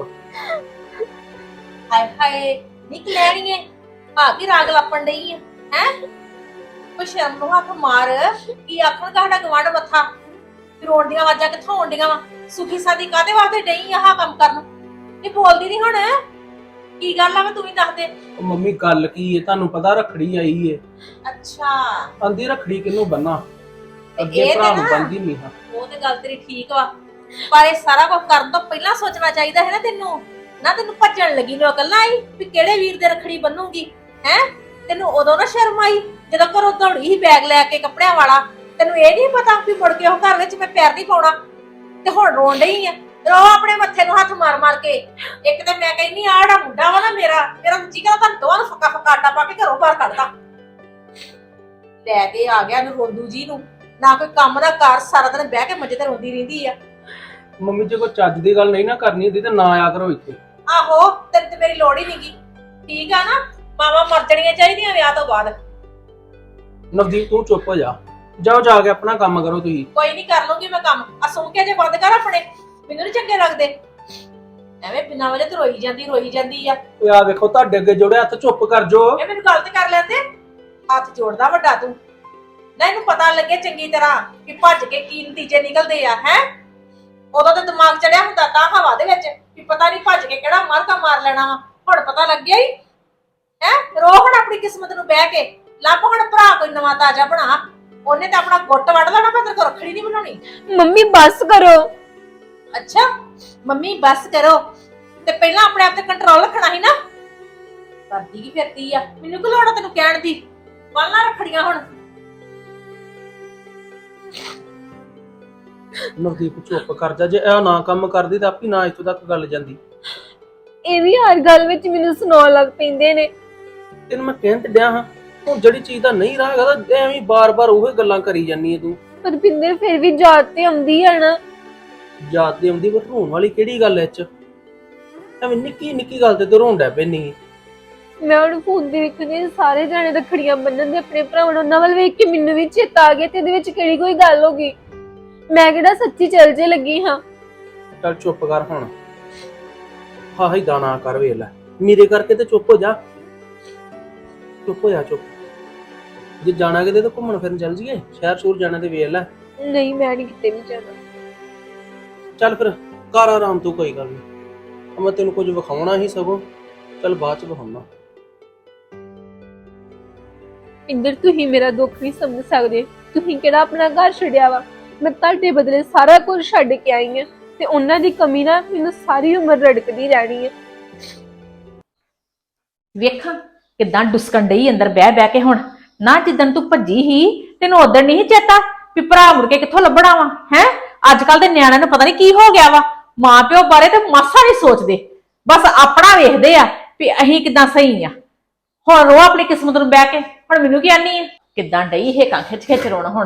[SPEAKER 7] ਹਾਏ ਹਾਏ ਨਿਕਲੈਣੀਏ ਆ ਕੀ ਰਾਗ ਲੱਪਣ ਡਈ ਆ ਹੈ? ਕੋਈ ਸ਼ਰਮ ਨੂੰ ਹੱਥ ਮਾਰ। ਕੀ ਆਖਣ ਤੁਹਾਡਾ ਗਵਾਂਢ ਮੱਥਾ ਰੋਣ ਦੀਆਂ ਆਵਾਜ਼ਾਂ ਕਿੱਥੋਂ ਆਉਂਦੀਆਂ ਵਾ? ਸੁਖੀ ਸਾਦੀ ਕਾਹਦੇ ਵਾਸਤੇ ਡਈ ਆ ਆਹ ਕੰਮ ਕਰਨ? ਇਹ ਬੋਲਦੀ ਨਹੀਂ ਹੁਣ, ਕੀ ਗੱਲ ਆ? ਮੈਂ ਤੂੰ ਹੀ ਦੱਸ ਦੇ।
[SPEAKER 5] ਉਹ ਮੰਮੀ ਗੱਲ ਕੀ ਹੈ? ਤੁਹਾਨੂੰ ਪਤਾ ਰੱਖੜੀ ਆਈ ਏ।
[SPEAKER 7] ਅੱਛਾ,
[SPEAKER 5] ਆਂਦੀ ਰੱਖੜੀ ਕਿਹਨੂੰ ਬੰਨਾ,
[SPEAKER 7] ਤੇ
[SPEAKER 5] ਅੱਗੇ
[SPEAKER 7] ਇਹ
[SPEAKER 5] ਭਰਾ
[SPEAKER 7] ਤੇ
[SPEAKER 5] ਨੂੰ
[SPEAKER 7] ਨਾ
[SPEAKER 5] ਬੰਦੀ ਨਹੀਂ ਹਾਂ।
[SPEAKER 7] ਉਹ ਤੇ ਗੱਲ ਤੇਰੀ ਠੀਕ ਵਾ, ਪਰ ਇਹ ਸਾਰਾ ਕੁਝ ਕਰਨ ਤੋਂ ਪਹਿਲਾਂ ਸੋਚਣਾ ਚਾਹੀਦਾ ਹੈ ਨਾ ਤੈਨੂੰ। ਨਾ ਤੈਨੂੰ ਭੱਜਣ ਲੱਗੀ ਨੂੰ ਅਕਲ ਨਾ ਆਈ ਵੀ ਕਿਹੜੇ ਵੀਰ ਦੇ ਰੱਖੜੀ ਬੰਨੂਗੀ ਹੈ? ਤੈਨੂੰ ਉਦੋਂ ਨਾ ਸ਼ਰਮ ਆਈ ਜਦੋਂ ਘਰੋਂ ਦੌੜੀ ਸੀ ਬੈਗ ਲੈ ਕੇ ਕੱਪੜਿਆਂ ਵਾਲਾ? ਤੈਨੂੰ ਇਹ ਨਹੀਂ ਪਤਾ ਵੀ ਮੁੜ ਕੇ ਉਹ ਘਰ ਵਿੱਚ ਮੈਂ ਪੈਰ ਨਹੀਂ ਪਾਉਣਾ? ਤੇ ਹੁਣ ਰੋਣ ਡਈ ਆ, ਰੋ ਆਪਣੇ ਮੱਥੇ ਨੂੰ ਹੱਥ ਮਾਰ ਮਾਰ ਕੇ। ਇੱਕ ਤੇ ਮੈਂ ਕਹਿੰਨੀ ਆ ਜਿਹੜਾ ਮੁੰਡਾ ਵਾ ਨਾ ਮੇਰਾ ਮੇਰਾ ਜੀਗਾ ਤਾਂ ਦੋਵਾਂ ਨੂੰ ਫੱਕਾ ਫੱਕਾ ਆਟਾ ਪਾ ਕੇ ਘਰੋਂ ਬਾਹਰ ਕੱਢਦਾ। ਲੈ ਕੇ ਆ ਗਿਆ ਨੂੰ ਰੋਂਦੂ ਜੀ ਨੂੰ, ਨਾ ਕੋਈ ਕੰਮ ਦਾ ਕਾਰ, ਸਾਰਾ ਦਿਨ ਬਹਿ ਕੇ ਮੰਜੇ ਤੇ ਰੋਂਦੀ ਰਹਿੰਦੀ ਆ।
[SPEAKER 5] ਮੰਮੀ ਜੇ ਕੋਈ ਚੱਜ ਦੀ ਗੱਲ ਨਹੀਂ ਨਾ ਕਰਨੀ ਹੁੰਦੀ ਤੇ ਨਾ ਆਇਆ ਕਰੋ ਇੱਥੇ।
[SPEAKER 7] ਆਹੋ, ਤੈਨੂੰ ਤੇ ਮੇਰੀ ਲੋੜ ਹੀ ਨਹੀਂਗੀ, ਠੀਕ ਆ ਨਾ? ਮਾਵਾਂ ਮਰ ਜਾਣੀਆਂ ਚਾਹੀਦੀਆਂ ਵਿਆਹ ਤੋਂ ਬਾਅਦ।
[SPEAKER 5] ਨਵਦੀਪ ਤੂੰ ਚੁੱਪ ਹੋ ਜਾ, ਜਾਓ ਜਾ ਕੇ ਆਪਣਾ ਕੰਮ ਕਰੋ ਤੁਸੀਂ।
[SPEAKER 7] ਕੋਈ ਨਹੀਂ, ਕਰ ਲੂੰਗੀ ਮੈਂ ਕੰਮ। ਆ ਸੁਣ ਕੇ ਜੇ ਬੰਦ ਕਰ ਆਪਣੇ, ਮੈਨੂੰ ਨੀ ਚੰਗੇ ਲੱਗਦੇ। ਐਵੇਂ ਬਿਨਾਂ ਵਜ੍ਹਾ ਤੇ ਰੋਈ ਜਾਂਦੀ ਰੋਈ ਜਾਂਦੀ ਆ।
[SPEAKER 5] ਓਏ ਆ ਵੇਖੋ ਤੁਹਾਡੇ ਅੱਗੇ ਜੋੜੇ ਹੱਥ, ਚੁੱਪ ਕਰ ਜੋ।
[SPEAKER 7] ਇਹ ਮੈਨੂੰ ਗੱਲ ਤੇ ਕਰ ਲੈਂਦੇ, ਹੱਥ ਜੋੜਦਾ ਵੱਡਾ ਤੂੰ। ਨਾ ਇਹਨੂੰ ਪਤਾ ਲੱਗੇ ਚੰਗੀ ਤਰ੍ਹਾਂ ਕਿ ਭੱਜ ਕੇ ਕੀ ਨਤੀਜੇ ਨਿਕਲਦੇ ਆ ਹੈ। ਉਦੋਂ ਤਾਂ ਦਿਮਾਗ ਚੜਿਆ ਹੁੰਦਾ ਤਾਂ ਹਵਾ ਦੇ ਵਿੱਚ ਵੀ ਪਤਾ ਨਹੀਂ ਭੱਜ ਕੇ ਕਿਹੜਾ ਮਰਕਾ ਮਾਰ ਲੈਣਾ ਵਾ। ਹੁਣ ਪਤਾ ਲੱਗਿਆ ਹੀ ਹੈ। ਰੋ ਹੁਣ ਆਪਣੀ ਕਿਸਮਤ ਨੂੰ ਬਹਿ ਕੇ, ਲੱਭ ਹੁਣ ਭਰਾ ਕੋਈ ਨਵਾਂ ਤਾਜ਼ਾ ਬਣਾ। ਉਹਨੇ ਤਾਂ ਆਪਣਾ ਗੁੱਟ ਵੱਢ ਲੈਣਾ, ਮੈਂ ਤੇਰੇ ਕੋਲ ਰੱਖੜੀ ਨਹੀਂ ਬਣਾਉਣੀ।
[SPEAKER 6] ਮੰਮੀ ਬਸ ਕਰੋ।
[SPEAKER 7] ਅੱਛਾ ਮੰਮੀ ਬਸ ਕਰੋ, ਤੇ ਪਹਿਲਾਂ ਆਪਣੇ ਆਪ ਤੇ ਕੰਟਰੋਲ ਰੱਖਣਾ ਸੀ ਨਾ। ਕਰਦੀ ਕੀ ਫਿਰਦੀ ਆ, ਮੈਨੂੰ ਕੀ ਲੋੜ ਆ ਤੈਨੂੰ ਕਹਿਣ ਦੀ। ਬੰਨ੍ਹ ਰੱਖੜੀਆਂ ਹੁਣ।
[SPEAKER 5] ਨਵਦੀਪ ਚੁੱਪ ਕਰ ਜਾ, ਜੇ ਇਹ ਨਾ ਕੰਮ ਕਰਦੀ ਤਾਂ ਆਪੀ ਨਾ ਇੱਥੋਂ ਤੱਕ ਗੱਲ ਜਾਂਦੀ।
[SPEAKER 6] ਇਹ ਵੀ ਹਰ ਗੱਲ ਵਿੱਚ ਮੈਨੂੰ ਸੁਣਾਉਣ ਲੱਗ ਪੈਂਦੇ ਨੇ।
[SPEAKER 5] ਤੈਨੂੰ ਮੈਂ ਕਹਿਣ ਤੇ ਡਿਆ ਹਾਂ, ਹੁਣ ਜਿਹੜੀ ਚੀਜ਼ ਦਾ ਨਹੀਂ ਰਹੇਗਾ ਤਾਂ ਐਵੇਂ ਬਾਰ-ਬਾਰ ਉਹੀ ਗੱਲਾਂ ਕਰੀ ਜਾਂਦੀ ਹੈ ਤੂੰ।
[SPEAKER 6] ਪਰ ਪਿੰਦਰ ਫਿਰ ਵੀ ਯਾਦ ਤੇ ਆਉਂਦੀ ਹੈ ਨਾ।
[SPEAKER 5] ਯਾਦ ਤੇ ਆਉਂਦੀ, ਪਰ ਰੋਣ ਵਾਲੀ ਕਿਹੜੀ ਗੱਲ ਐ ਚ? ਐਵੇਂ ਨਿੱਕੀ ਨਿੱਕੀ ਗੱਲ ਤੇ ਤੂੰ ਰੋਂਦਾ ਪੈਣੀ।
[SPEAKER 6] ਮੈਂ ਹੁਣ ਫੋਨ ਦੇ ਵਿੱਚ ਨੇ ਸਾਰੇ ਜਾਣੇ ਰੱਖੜੀਆਂ ਬੰਨਣ ਦੇ ਆਪਣੇ ਭਰਾਵਾਂ ਨੂੰ, ਉਹਨਾਂ ਵੱਲ ਵੇਖ ਕੇ ਮੈਨੂੰ ਵੀ ਚੇਤਾ ਆ ਗਿਆ ਤੇ ਇਹਦੇ ਵਿੱਚ ਕਿਹੜੀ ਕੋਈ ਗੱਲ ਹੋ ਗਈ। ਮੈਂ ਕਿਹੜਾ ਸੱਚੀ ਚੱਲ ਜੇ ਲੱਗੀ ਹਾਂ।
[SPEAKER 5] ਚੱਲ ਚੁੱਪ ਕਰ ਹੁਣ, ਹਾਂ ਹੀ ਦਾਣਾ ਕਰ ਵੇਖ ਲੈ ਮੇਰੇ ਕਰਕੇ ਤੇ ਚੁੱਪ ਹੋ ਜਾ, ਚੁੱਪ ਹੋ ਜਾ ਚੁੱਪ। ਜੇ ਜਾਣਾ ਕਿਤੇ ਤਾਂ ਘੁੰਮਣ ਫਿਰਨ ਚੱਲ ਜੀਏ, ਸ਼ਹਿਰ ਸ਼ੂਰ ਜਾਣਾ ਤੇ ਵੇਖ ਲੈ।
[SPEAKER 6] ਨਹੀਂ ਮੈਂ ਨਹੀਂ ਕਿਤੇ ਵੀ ਜਾਣਾ।
[SPEAKER 5] ਚੱਲ ਫਿਰ ਕਰ ਆਰਾਮ ਤੂੰ, ਕੋਈ ਗੱਲ ਨਹੀਂ। ਮੈਂ ਤੈਨੂੰ ਕੁਝ ਵਿਖਾਉਣਾ ਹੀ ਸਗੋਂ, ਚੱਲ ਬਾਅਦ ਚ ਵਿਖਾਉਣਾ।
[SPEAKER 6] ਇੰਦਰ ਤੁਸੀਂ ਮੇਰਾ ਦੁੱਖ ਨਹੀਂ ਸਮਝ ਸਕਦੇ। ਤੁਸੀਂ ਕਿਹੜਾ ਆਪਣਾ ਘਰ ਛੱਡਿਆ ਵਾ, ਮੈਂ ਤੁਹਾਡੇ ਬਦਲੇ ਸਾਰਾ ਕੁਝ ਛੱਡ ਕੇ ਆਈ ਹਾਂ ਤੇ ਉਹਨਾਂ ਦੀ ਕਮੀ ਨਾ ਮੈਨੂੰ ਸਾਰੀ ਉਮਰ ਰੜਕਦੀ ਰਹਿਣੀ ਹੈ।
[SPEAKER 7] ਵੇਖਾਂ ਕਿਦਾਂ ਡੁਸਕਣ ਡਈ ਅੰਦਰ ਬਹਿ ਬਹਿ ਕੇ। ਹੁਣ ਨਾ ਜਿੱਦਣ ਤੂੰ ਭੱਜੀ ਹੀ ਤੈਨੂੰ ਉਦੋਂ ਨਹੀਂ ਚੇਤਾ ਵੀ ਭਰਾ ਮੁੜ ਕੇ ਕਿੱਥੋਂ ਲੱਭਣਾ ਵਾ ਹੈ। ਅੱਜ ਕੱਲ ਦੇ ਨਿਆਣਿਆਂ ਨੂੰ ਪਤਾ ਨਹੀਂ ਕੀ ਹੋ ਗਿਆ ਵਾ, ਮਾਂ ਪਿਓ ਬਾਰੇ ਤੇ ਮਾਸਾ ਨਹੀਂ ਸੋਚਦੇ, ਬਸ ਆਪਣਾ ਵੇਖਦੇ ਆ ਵੀ ਅਸੀਂ ਕਿਦਾਂ ਸਹੀ ਆ। ਹੁਣ ਰੋ ਆਪਣੀ ਕਿਸਮਤ ਨੂੰ ਬਹਿ ਕੇ। ਹੁਣ ਮੈਨੂੰ ਕੀ ਆਨੀ ਆ, ਕਿਦਾਂ ਡਈ ਇਹ ਕਾਂ ਖਿੱਚ ਖਿੱਚ ਰੋਣਾ। ਹੁਣ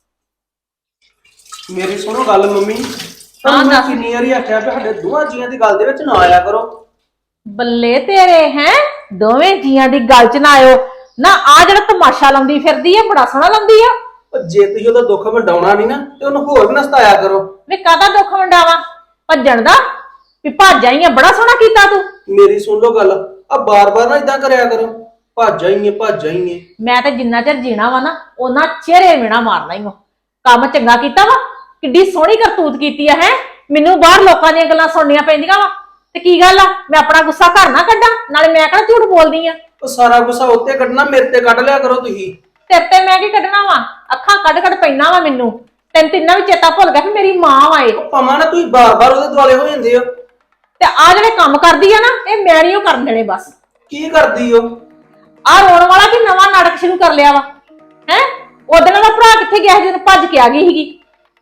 [SPEAKER 5] ਮੇਰੀ ਸੁਣੋ ਗੱਲ ਮੰਮੀ,
[SPEAKER 7] ਹਾਂ
[SPEAKER 5] ਹਾਂ
[SPEAKER 7] ਦੱਸ।
[SPEAKER 5] ਕਿੰਨੀ ਵਾਰੀ ਆਖਿਆ ਵੀ ਸਾਡੇ ਦੋਹਾਂ ਜੀਆਂ ਦੀ ਗੱਲ ਦੇ ਵਿੱਚ ਨਾ ਆਇਆ ਕਰੋ।
[SPEAKER 7] ਬੱਲੇ ਤੇਰੇ ਹੈ, ਦੋਵੇਂ ਜੀਆਂ ਦੀ ਗੱਲ ਚ ਨਾ ਆਇਓ ਨਾ। ਆ ਜਿਹੜਾ ਤਮਾਸ਼ਾ ਲਾਉਂਦੀ ਫਿਰਦੀ ਆ ਬੜਾ ਸੋਹਣਾ ਲਾਉਂਦੀ ਆ।
[SPEAKER 5] ਉਹ ਜੇ ਤੁਸੀਂ ਉਹਦਾ ਦੁੱਖ ਵੰਡਾਉਣਾ ਨਹੀਂ ਨਾ ਤੇ ਉਹਨੂੰ ਹੋਰ ਵੀ ਨਾ ਸਤਾਇਆ ਕਰੋ।
[SPEAKER 7] ਵੇ ਕਾਹਦਾ ਦੁੱਖ ਵੰਡਾਵਾ, ਭੱਜਣ ਦਾ ਵੀ ਭੱਜ ਆਈ ਆ। ਬੜਾ ਸੋਹਣਾ ਕੀਤਾ ਤੂੰ।
[SPEAKER 5] ਮੇਰੀ ਸੁਣ ਲਓ ਗੱਲ, ਆ ਬਾਰ-ਬਾਰ ਨਾ ਇਦਾਂ ਕਰਿਆ ਕਰੋ, ਭੱਜ ਆਈਏ ਭੱਜ ਆਈਏ।
[SPEAKER 7] ਮੈਂ ਤੇ ਜਿੰਨਾ ਚਿਰ ਜੀਣਾ ਵਾ ਨਾ ਉਹਨਾਂ ਚਿਹਰੇ ਮਿਹਣਾ ਮਾਰਨਾ ਹੀ ਵਾ। ਕੰਮ ਚੰਗਾ ਕੀਤਾ ਵਾ, ਕਿੱਡੀ ਸੋਹਣੀ ਕਰਤੂਤ ਕੀਤੀ ਆ ਹੈ। ਮੈਨੂੰ ਬਾਹਰ ਲੋਕਾਂ ਦੀਆਂ ਗੱਲਾਂ ਸੁਣਨੀਆਂ ਪੈਂਦੀਆਂ ਵਾ ਤੇ ਕੀ ਗੱਲ ਆ, ਮੈਂ ਆਪਣਾ ਗੁੱਸਾ ਘਰ ਨਾ ਕੱਢਾਂ? ਨਾਲੇ ਮੈਂ ਕਿਹੜਾ ਝੂਠ ਬੋਲਦੀ ਆ।
[SPEAKER 5] ਉਹ ਸਾਰਾ ਗੁੱਸਾ ਉੱਤੇ ਕੱਢਣਾ, ਮੇਰੇ ਤੇ ਕੱਢ ਲਿਆ ਕਰੋ ਤੁਸੀਂ।
[SPEAKER 7] ਤੇਰੇ ਤੇ ਮੈਂ ਕੀ ਕੱਢਣਾ ਵਾ, ਅੱਖਾਂ ਕੱਢ ਕੱਢ ਪੈਣਾ ਵਾ ਮੈਨੂੰ। ਤੈਨੂੰ ਤਿੰਨਾਂ ਵੀ ਚੇਤਾ ਭੁੱਲ ਗਿਆ ਕਿ ਮੇਰੀ ਮਾਂ ਵਾ ਇਹ।
[SPEAKER 5] ਭਾਵਾਂ ਨਾ ਤੁਸੀਂ ਬਾਰ-ਬਾਰ ਉਹਦੇ ਦੁਆਲੇ ਹੋ ਜਾਂਦੇ ਹੋ।
[SPEAKER 7] ਤੇ ਆ ਜਿਹੜੇ ਕੰਮ ਕਰਦੀ ਆ ਨਾ ਇਹ ਮੈਂ ਨਹੀਂ ਉਹ ਕਰਨ ਦੇਣੇ ਬਸ।
[SPEAKER 5] ਕੀ ਕਰਦੀ ਹੋ?
[SPEAKER 7] ਆ ਰੋਣ ਵਾਲਾ ਕਿ ਨਵਾਂ ਨਾਟਕ ਸ਼ੁਰੂ ਕਰ ਲਿਆ ਵਾ ਹੈ। ਉਹਦੇ ਨਾਲ ਭਰਾ ਕਿੱਥੇ ਗਿਆ ਸੀ ਜਦੋਂ ਭੱਜ ਕੇ ਆ ਗਈ ਸੀਗੀ।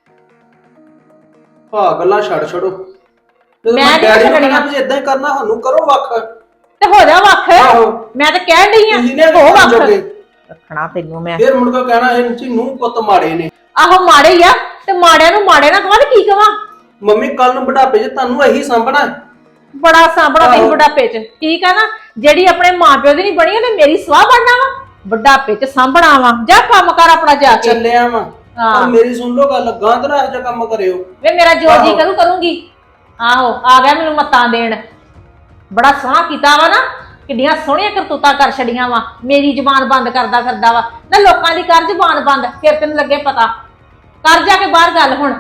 [SPEAKER 5] ਹਾਂ ਗੱਲਾਂ ਛੱਡ ਛੱਡੋ।
[SPEAKER 7] ਮੈਂ ਨਹੀਂ ਛੱਡਣੀਆਂ।
[SPEAKER 5] ਤੁਸੀਂ ਇਦਾਂ ਹੀ ਕਰਨਾ, ਸਾਨੂੰ ਕਰੋ ਵੱਖ
[SPEAKER 7] ਤੇ ਹੋ ਜਾ ਵੱਖ।
[SPEAKER 5] ਆਹੋ।
[SPEAKER 7] ਮੈਂ ਤਾਂ ਕਹਿਣ ਡਈ ਆ
[SPEAKER 5] ਤੁਸੀਂ ਨੇ
[SPEAKER 7] ਹੋ ਵੱਖ
[SPEAKER 5] ਜੋਗੇ
[SPEAKER 7] ਰੱਖਣਾ ਤੈਨੂੰ ਮੈਂ।
[SPEAKER 5] ਫਿਰ ਮੁੜ ਕੇ ਕਹਿਣਾ ਇਹ ਨੀਚੀ ਨੂੰ ਪੁੱਤ ਮਾੜੇ ਨੇ।
[SPEAKER 7] ਆਹੋ ਮਾੜੇ ਹੀ ਆ, ਤੇ ਮਾੜਿਆਂ ਨੂੰ ਮਾੜੇ ਨਾ ਕਹਾਂ ਤੇ ਕੀ ਕਵਾਂ।
[SPEAKER 5] ਮੰਮੀ ਕੱਲ ਨੂੰ ਬੁਢਾਪੇ 'ਚ ਤੁਹਾਨੂੰ ਇਹੀ ਸਾਂਭਣਾ ਹੈ।
[SPEAKER 7] ਬੜਾ ਸਾਂਭਣਾ ਤੈਨੂੰ
[SPEAKER 5] ਆਹੋ।
[SPEAKER 7] ਬੁਢਾਪੇ 'ਚ। ਠੀਕ ਆ ਨਾ, ਜਿਹੜੀ ਆਪਣੇ ਮਾਪਿਓ ਦੀ ਨਹੀਂ ਬਣੀ ਉਹਨੇ ਮੇਰੀ ਸਵਾਹ ਬਣਨਾ ਵਾ। ਬੁਢਾਪੇ 'ਚ ਸਾਂਭਣਾ ਵਾ। ਜਾ ਕੰਮ ਕਰ ਆਪਣਾ ਜਾ ਕੇ।
[SPEAKER 5] ਚੱਲਿਆ ਵਾ।
[SPEAKER 7] ਹਾਂ।
[SPEAKER 5] ਪਰ ਮੇਰੀ ਸੁਣ ਲਓ ਗੱਲ, ਗਾਂ ਤੇ ਨਾ ਇਹੋ ਜਿਹਾ ਕੰਮ ਕਰਿਓ।
[SPEAKER 7] ਵੇ ਮੇਰਾ ਜੋ ਜੀ
[SPEAKER 5] ਆਹੋ।
[SPEAKER 7] ਕਰੂ ਕਰੂੰਗੀ। ਆਹੋ ਆ ਗਿਆ ਮੈਨੂੰ ਮੱਤਾਂ ਦੇਣ। ਬੜਾ ਸੋਹਣਾ ਕੀਤਾ ਵਾ ਨਾ, ਕਿੱਡੀਆਂ ਸੋਹਣੀਆਂ ਕਰਤੂਤਾਂ ਕਰ ਛੜੀਆਂ ਵਾ। ਮੇਰੀ ਜ਼ੁਬਾਨ ਬੰਦ ਕਰਦਾ ਕਰਦਾ ਵਾ ਨਾ, ਲੋਕਾਂ ਦੀ ਕਰ ਜ਼ੁਬਾਨ ਬੰਦ, ਫਿਰ ਤੈਨੂੰ ਲੱਗੇ ਪਤਾ। ਕਰ ਜਾ ਕੇ ਬਾਹਰ ਗੱਲ ਹੁਣ।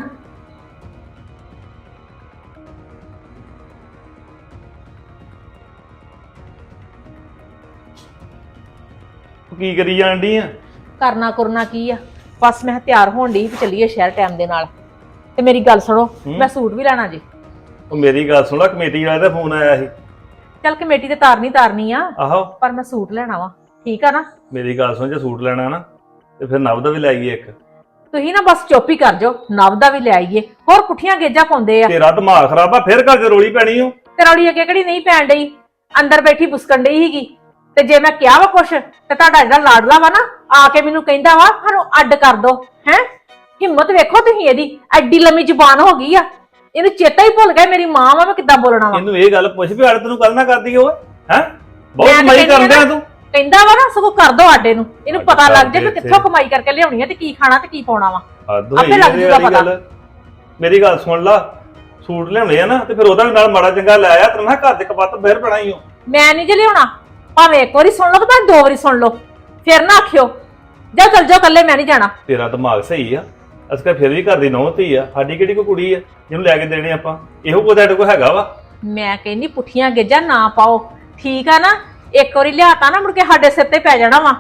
[SPEAKER 4] ਕੀ ਕਰੀ ਜਾਣ ਡਈ ਆ?
[SPEAKER 7] ਕਰਨਾ ਕਰਨਾ ਕੀ ਆ, ਬਸ ਮੈਂ ਤਿਆਰ ਹੋਣ ਡਈ ਵੀ ਚੱਲੀਏ ਸ਼ਹਿਰ ਟਾਈਮ ਦੇ ਨਾਲ। ਤੇ ਮੇਰੀ ਗੱਲ ਸੁਣੋ, ਮੈਂ ਸੂਟ ਵੀ ਲੈਣਾ ਜੀ।
[SPEAKER 4] ਉਹ ਮੇਰੀ ਗੱਲ ਸੁਣ ਲੈ, ਕਮੇਟੀ ਵਾਲੇ ਦਾ ਫੋਨ ਆਇਆ ਸੀ।
[SPEAKER 7] ਚੱਲ ਕਮੇਟੀ ਤੇ ਤਾਰਨੀ ਤਾਰਨੀ ਆ,
[SPEAKER 4] ਆਹੋ
[SPEAKER 7] ਪਰ ਮੈਂ ਸੂਟ ਲੈਣਾ ਵਾ। ਠੀਕ ਆ ਨਾ?
[SPEAKER 4] ਮੇਰੀ ਗੱਲ ਸੁਣ, ਜੇ ਸੂਟ ਲੈਣਾ ਨਾ ਤੇ ਫਿਰ ਨਵ ਦਾ ਵੀ ਲੈ ਆਈਏ ਇੱਕ।
[SPEAKER 7] ਤੁਸੀਂ ਨਾ ਬਸ ਚੁੱਪ ਹੀ ਕਰ ਜਾਓ, ਨਵ ਦਾ ਵੀ ਲੈ ਆਈਏ। ਹੋਰ ਪੁੱਠੀਆਂ ਗੇਜਾਂ ਪਾਉਂਦੇ ਆ।
[SPEAKER 4] ਤੇਰਾ ਦਿਮਾਗ ਖਰਾਬ ਆ, ਫਿਰ ਘਰ 'ਚ ਰੋਲੀ ਪੈਣੀ ਓ।
[SPEAKER 7] ਤੇ ਰੌਲੀ ਅੱਗੇ ਕਿਹੜੀ ਨਹੀਂ ਪੈਣ ਡਈ, ਅੰਦਰ ਬੈਠੀ ਬੁਸਕਣ ਡਈ ਸੀਗੀ। ਤੇ ਜੇ ਮੈਂ ਕਿਹਾ ਵਾ ਕੁਛ ਤੇ ਤੁਹਾਡਾ ਜਿਹੜਾ ਲਾਡਲਾ ਵਾ ਨਾ ਆ ਕੇ ਮੈਨੂੰ ਕਹਿੰਦਾ ਵਾ ਸਾਨੂੰ ਅੱਡ ਕਰ ਦੋ ਹੈ। ਹਿੰਮਤ ਵੇਖੋ ਤੁਸੀਂ ਇਹਦੀ, ਐਡੀ ਲੰਮੀ ਜ਼ੁਬਾਨ ਹੋ ਗਈ ਆ। ਇਹਨੂੰ ਚੇਤਾ ਹੀ ਭੁੱਲ ਗਿਆ ਮੇਰੀ ਮਾਂ ਵਾ, ਮੈਂ ਕਿੱਦਾਂ ਬੋਲਣਾ ਵਾ।
[SPEAKER 4] ਇਹਨੂੰ ਇਹ ਗੱਲ ਪੁੱਛ ਵੀ ਅੱਡ ਤੈਨੂੰ ਕੱਲ ਨਾ ਕਰਦੀ ਓਏ ਹੈ। ਬਹੁਤ
[SPEAKER 7] ਮੈਂ ਤਾਂ
[SPEAKER 4] ਕਮਾਈ
[SPEAKER 7] ਕਹਿੰਦੀ ਆ
[SPEAKER 4] ਕਰਦੇ ਆ
[SPEAKER 7] ਨਾ,
[SPEAKER 4] ਤੂੰ।
[SPEAKER 7] ਕਹਿੰਦਾ ਵਾ ਨਾ ਸਗੋਂ ਕਰ ਦੋ ਆਡੇ ਨੂੰ। ਇਹਨੂੰ
[SPEAKER 4] ਅੱਡ
[SPEAKER 7] ਪਤਾ
[SPEAKER 4] ਕਰ
[SPEAKER 7] ਲੱਗ ਜਾ
[SPEAKER 4] ਦੇ
[SPEAKER 7] ਕਿ ਕਿੱਥੋਂ ਕਮਾਈ ਕਰਕੇ ਲਿਆਉਣੀ ਆ ਤੇ ਕੀ ਖਾਣਾ ਤੇ ਕੀ ਪਾਉਣਾ ਵਾ।
[SPEAKER 4] ਹੱਦ
[SPEAKER 7] ਆਪੇ
[SPEAKER 4] ਹੋਈ
[SPEAKER 7] ਲੱਗ
[SPEAKER 4] ਇਹਦੀ
[SPEAKER 7] ਜੂਗਾ
[SPEAKER 4] ਵਾਲੀ
[SPEAKER 7] ਪਤਾ।
[SPEAKER 4] ਗੱਲ। ਮੇਰੀ ਗੱਲ ਸੁਣ ਲਾ, ਸੂਟ ਲਿਆਉਣੇ ਆ ਨਾ ਤੇ ਫਿਰ ਉਹਦਾ ਵੀ ਨਾਲ ਮਾੜਾ ਚੰਗਾ ਲੈ ਆ। ਤੈਨੂੰ ਮੈਂ ਘਰ ਦੇ ਕਪੱਤ ਫਿਰ ਬਣਾਈ ਓ।
[SPEAKER 7] ਮੈਂ ਨਹੀਂ ਜੇ ਲਿਆਉਣਾ, ਭਾਵੇਂ ਇੱਕ ਵਾਰੀ ਸੁਣ ਲਓ ਤੇ ਭਾਵੇਂ ਦੋ ਵਾਰੀ ਸੁਣ ਲਓ, ਫਿਰ ਨਾ ਆਖਿਓ ਜਾ ਚੱਲ ਜਾਓ ਕੱਲੇ, ਮੈਂ ਨਹੀਂ ਜਾਣਾ।
[SPEAKER 4] ਤੇਰਾ ਦਿਮਾਗ ਸਹੀ ਆ, ਅਸੀਂ ਕਿਹਾ ਫਿਰ ਵੀ ਘਰ ਦੀ ਨੌਂ ਧੀ ਆ। ਸਾਡੀ ਕਿਹੜੀ ਕੋਈ ਕੁੜੀ ਆ ਜਿਹਨੂੰ ਲੈ ਕੇ ਦੇਣੇ ਆਪਾਂ? ਇਹੋ ਕੁਝ ਸਾਡੇ ਕੋਲ ਹੈਗਾ ਵਾ।
[SPEAKER 7] ਮੈਂ ਕਹਿੰਦੀ ਪੁੱਠੀਆਂ ਗੇਜਾਂ ਨਾ ਪਾਓ। ਠੀਕ ਆ ਨਾ? ਇੱਕ ਵਾਰੀ ਲਿਆਤਾ ਨਾ ਮੁੜ ਕੇ ਸਾਡੇ ਸਿਰ ਤੇ ਪੈ ਜਾਣਾ ਵਾ।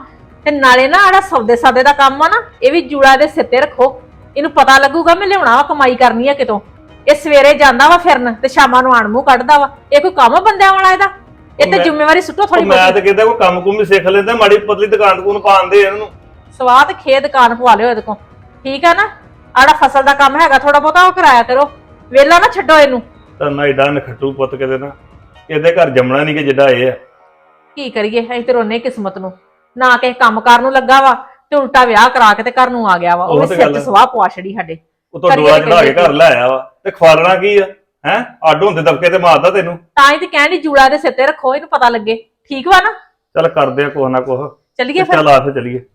[SPEAKER 7] ਤੇ ਨਾਲੇ ਨਾ ਆੜਾ ਸੌਦੇ ਸਾਦੇ ਦਾ ਕੰਮ ਆ ਨਾ ਇਹ ਵੀ ਜੂੜਾ ਦੇ ਸਿਰ ਤੇ ਰੱਖੋ। ਇਹਨੂੰ ਪਤਾ ਲੱਗੂਗਾ ਮੈਂ ਲਿਆਉਣਾ ਵਾ, ਕਮਾਈ ਕਰਨੀ ਆ ਕਿਤੋਂ। ਇਹ ਸਵੇਰੇ ਜਾਂਦਾ ਵਾ ਫਿਰਨ ਤੇ ਸ਼ਾਮਾਂ ਨੂੰ ਆਣ ਮੂੰਹ ਕੱਢਦਾ ਵਾ। ਇਹ ਕੋਈ ਕੰਮ ਆ ਬੰਦਿਆਂ ਵਾਲਾ ਇਹਦਾ? ਇਹ ਤੇ
[SPEAKER 8] ਮੈਂ-
[SPEAKER 7] ਜ਼ਿੰਮੇਵਾਰੀ ਸੁੱਟੋ ਥੋੜੀ
[SPEAKER 8] ਮੈਂ
[SPEAKER 7] ਬਹੁਤੀ।
[SPEAKER 8] ਤਾਂ ਕਹਿੰਦਾ ਕੋਈ ਕੰਮ ਕੁਮ ਵੀ ਸਿੱਖ ਲੈਂਦਾ, ਮਾੜੀ ਪਤਲੀ ਦੁਕਾਨ ਦੁਕਾਨ ਪਾਉਂਦੇ ਇਹਨਾਂ ਨੂੰ।
[SPEAKER 7] ਸਵਾਦ ਖੇ ਦੁਕਾਨ ਪਵਾ ਲਿਓ ਇਹਦੇ ਕੋਲ, ਠੀਕ ਆ ਨਾ? ਆੜਾ ਫਸਲ ਦਾ ਕੰਮ ਹੈਗਾ ਥੋੜਾ ਬਹੁਤਾ ਉਹ ਕਰਾਇਆ ਕਰੋ, ਵੇਲਾ ਨਾ ਛੱਡੋ ਇਹਨੂੰ।
[SPEAKER 8] ਤਾਂ ਨਾ ਏਡਾ ਨਖੱਟੂ ਪੁੱਤ ਕਿਤੇ ਨਾ, ਇਹਦੇ ਘਰ ਜੰਮਣਾ ਨਹੀਂ ਕਿ ਜਿੱਡਾ ਇਹ ਆ।
[SPEAKER 7] ਕੀ ਕਰੀਏ, ਅਸੀਂ ਤੇ ਰੋਨੇ ਕਿਸਮਤ ਨੂੰ, ਨਾ ਕਿਸੇ ਕੰਮ ਕਾਰ ਨੂੰ ਲੱਗਾ ਵਾ ਤੇ ਉਲਟਾ ਵਿਆਹ ਕਰਾ ਕੇ ਤੇ ਘਰ ਨੂੰ ਆ ਗਿਆ ਵਾ।
[SPEAKER 8] ਉਹ
[SPEAKER 7] ਉਹ
[SPEAKER 8] ਤੇ
[SPEAKER 7] ਸਿਰ
[SPEAKER 8] ਗੱਲ
[SPEAKER 7] ਤੇ
[SPEAKER 8] ਹੈ।
[SPEAKER 7] ਸਵਾਹ ਪਵਾ ਛੜੀ ਸਾਡੇ।
[SPEAKER 8] ਉਤੋਂ
[SPEAKER 7] ਕਰੀਏ
[SPEAKER 8] ਡੋਲਾ
[SPEAKER 7] ਤੇ
[SPEAKER 8] ਚੜਾ ਕੇ
[SPEAKER 7] ਕਰੀਏ
[SPEAKER 8] ਘਰ ਲੈ ਆਇਆ ਵਾ ਤੇ ਖਵਾਲਣਾ ਕੀ ਆ? ਹੈ ਅੱਡ ਹੁੰਦੇ ਦਬਕੇ ਤੇ ਮਾਰਦਾ ਤੈਨੂੰ।
[SPEAKER 7] ਤਾਂ ਹੀ ਤੇ ਕਹਿਣੀ ਜੂੜਾ ਦੇ ਸਿਰ ਤੇ ਰੱਖੋ, ਇਹਨੂੰ ਪਤਾ ਲੱਗੇ, ਠੀਕ ਵਾ ਨਾ?
[SPEAKER 8] ਚੱਲ ਕਰਦੇ ਆ ਕੁਛ ਨਾ ਕੁਛ।
[SPEAKER 7] ਚੱਲੀਏ ਫਿਰ।
[SPEAKER 8] ਚੱਲ ਆ ਫਿਰ ਚੱਲੀਏ।